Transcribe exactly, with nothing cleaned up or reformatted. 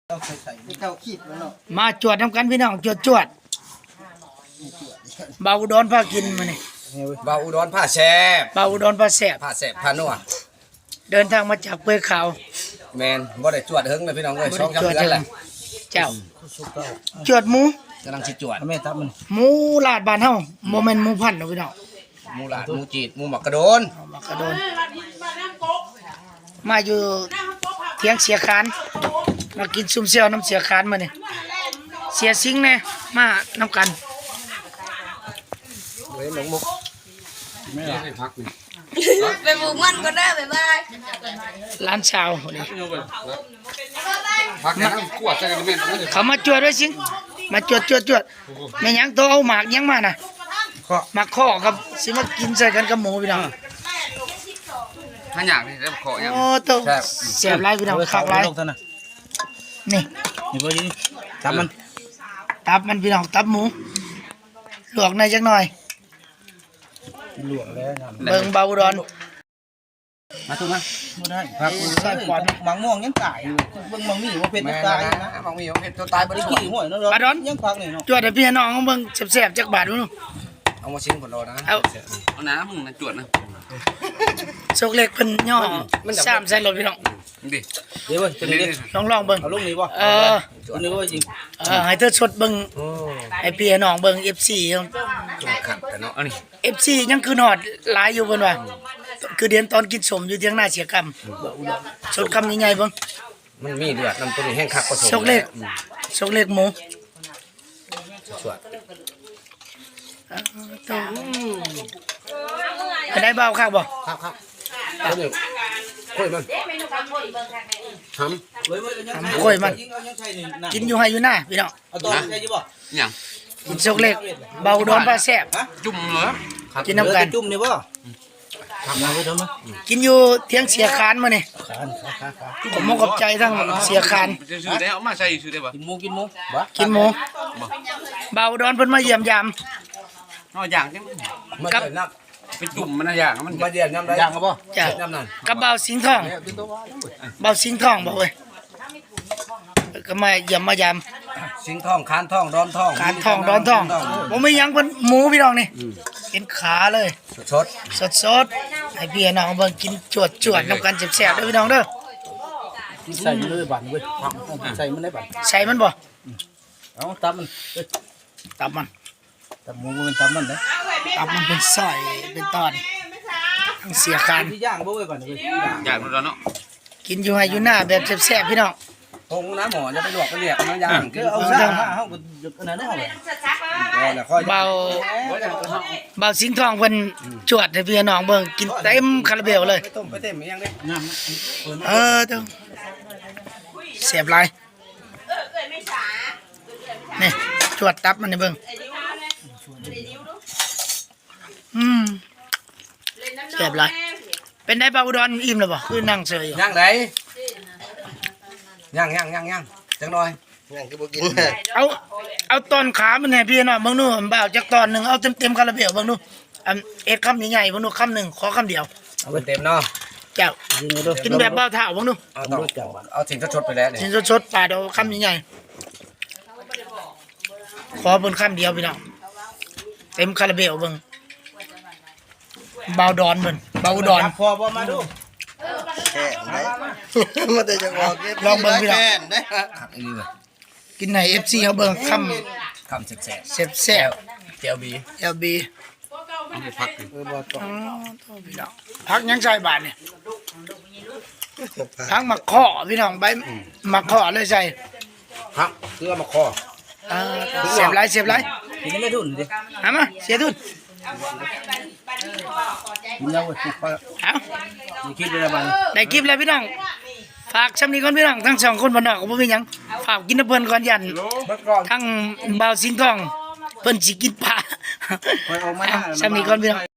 มาจวดทำกันพี่น้องจวดจวดเบาอุดรพากินมาเนี่ยเบาอุดรผ้าแช่บเบาอุดรพาแสบผ้าแช่บผ้านัวเดินทางมาจากเปื่อยขาวแมนบ่ได้จวดเฮิงเลยพี่น้องเอ้ยช่องจำจวดเดือนแหละเจ้าจวดหมูกำลังสิจวดแม่ทับมันหมูลาดบ้านเฮาโมเมนต์หมูพันธุ์เนาะพี่น้องหมูหลาดหมูจีดหมูหมักกระโดนเอามากระโดนมาอยู่เทียงเสียคานมากินซุ่มเซียวน้ำเสียคานมาเนี่ยเสียซิงแน่มาน้ำกันเฮ้ยหลงมุกไปบุกมันก็ได้บ๊ายบายร้านชาวนี่พักนะขวดใส่กันแม่นเลยเขามาจวดด้วยสิงมาจวดจวดจวดแม่ยังตัวเอาหมากยังมาน่ะหมากข้อกับสิมากินใส่กันกับหมูพี่น้องถ้าอยากนี่แล้วขอยังโอ้ตัวเสียบไรพี่น้องขักไรลงท่านน่ะนี่นี่บ่ดีทับมันตับมันพี่น้องตับหมูลวกในอยจักหน่อยหลวงแล้วนะเบิ่งเบาดอนมาถูกไหมบ่ได้ครับใส่ปอดมังม่วงยังตายอยู่เบิ่งมังมีว่าเป็นแมยังนตายนะบางมีเห็ดตัวตายบ่ได้ไอ้ช่วยกี้ห้วยนั่นเนาะยังพักนี่เนาะจวดให้พี่น้องเบิ่งแซ่บๆจักบาทนู่นเอามาชิ้นผลโลนะเอาเอาน้ำมึงนะจวดนะโชคเล็กเพิ่นย่อสามใส่รถพี่น้องดิเดี๋ยวเว้ยตัวนี้ดิลองลองเบิ่งเอาลงนี่บ่เออตัวนี้ว่าจริงเออให้เธอสดเบิ่งโอ้ให้พี่น้องเบิ่ง เอฟ ซีจวดขัดแต่เนาะเอานี่เอฟ ซี ยังคือหอดหลายอยู่เพิ่นว่าคือเดือนตอนกินสมอยู่เที่ยงหน้าเสียกรรมสดคำใหญ่ๆเบิ่งมันมีเลือดนำตัวนี้แห้งคักผสมโชคเล็กโชคเล็กหมูจวดไปได้เบาคักบ่ครับครับตัวนี้คุยมันทเว้ยเว้ยยังทำกล้วยมันยิงเอายังใช่นี่นะกินอยู่ให้อยู่หน้าพี่น้องเอาต่อได้อยู่บ่อย่างกินโชคเล็กเบาโดนปลาแซ่บจุ่มเหรอกินน้ำกันจุ่มนี่บ่ทำมาไว้ทำมากินอยู่เที่ยงเสียคานมานี่ขานขาขาขาผมมองกับใจทั้งเสียคานจะซื้อได้เอามาใส่ซื้อได้ปะกินหมูกินหมูบ่กินหมูเบาโดนเพิ่นมาเยี่ยมยามเอาอย่างจังำมันเดือดน้ไปจุ่มมันนะอย่างมันำมาเดือดน้ำได้ย่างก็บ่จ้ะน้ำนั่นกับเบาสิงห์ทองเบาสิงห์ทองบอกเว้ยก็มาเยี่ยมมายามสิงทองคานทองดอนทองการทองดอนทองผมไม่ยังเป็นหมูพี่น้องนี่เป็นขาเลยสดสดสดๆให้พี่น้องเบิ่งกินจวดจวดๆน้ำกันแซ่บๆเด้อพี่น้องเด้อใส่มันเลยบั่นเว้ยใส่มันได้บั่นใส่มันบ่เอาตับมันเอ้ยตับมันตับหมูมันตับมันเด้อตับมันเป็นซอยเป็นตอนทั้งเสียคานที่ย่างบ่เว้ยบั่นเว้ยย่างอย่างมันแล้วเนาะกินอยู่ให้อยู่หน้าแบบแซ่บๆพี่น้องๆพงน้ำหมอจะไปลวกไปเรียกน้ำยางคือเอาซ่ามาเฮาก็อันนั้นได้เฮาเลยแล้วค่อยเบาเบาสิงห์ทองเพิ่นจวดให้พี่น้องเบิ่งกินเต็มคาราเบลเลยไปต้มไปเต็มยังได้น้ำเออเด้อแซ่บหลายนี่จวดตับมันนี่เบิ่งอืมแซ่บหลายเป็นได้เบาอุดรอิ่มแล้วบ่คือนั่งเฉยอยู่ย่างไหนย่างย่างย่างย่างจังหน่อยย่างคือบ่กินเอาเอาตอนขามันให้พี่น้องเบิ่งดูบ่าวจักตอนหนึงเอาเต็มๆคาราเบลเบิ่งดูอันเอ็ดคำใหญ่ๆเบิ่งดูคำหนึงขอคำเดียวเอาเต็มเนาะเจ้ากินแบบบ่าวเท่าเบิ่งดูเอาต้องเอาสิ่งชดไปแล้วนี่สินสดๆปลาเดียวคำใหญ่ๆขอเบิ่งคำเดียวพี่น้องเต็มคาราเบลเบิ่งเบาดอนเบิ่งเบาดอนพอบ่มาดูมันจะจะบอกลองเบิ่งพี่น้องขัดอีนี่เลยกินให้ เอฟ ซี เฮาเบิ่งคคำแสบำแซ่บๆเจียวบีๆ แอล บีเอาไปพักดิอ๋อโทษพี่น้องพักยังใส่บาทเนี่ยพักหมักข้อพี่น้องใบหมักข้อเลยใส่ครับเพื่อมาคอเออเสียบไรเสียบไรกินไม่ทุนดิเอามาเสียทุนกินแล้วเว้ยพอเอานี่คิดได้บั่นได้คลิปแล้วพี่น้องฝากชำนี้ก่อนพี่น้องทั้งสองคนบ้านนอกก็บ่มีหยังฝากกินน้ำเพิ่นก่อนยันเมื่อก่อนทั้งเบาสิงห์ทองเพิ่นสิกินปลาคอยเอามาชำนี้ก่อนพี่น้อง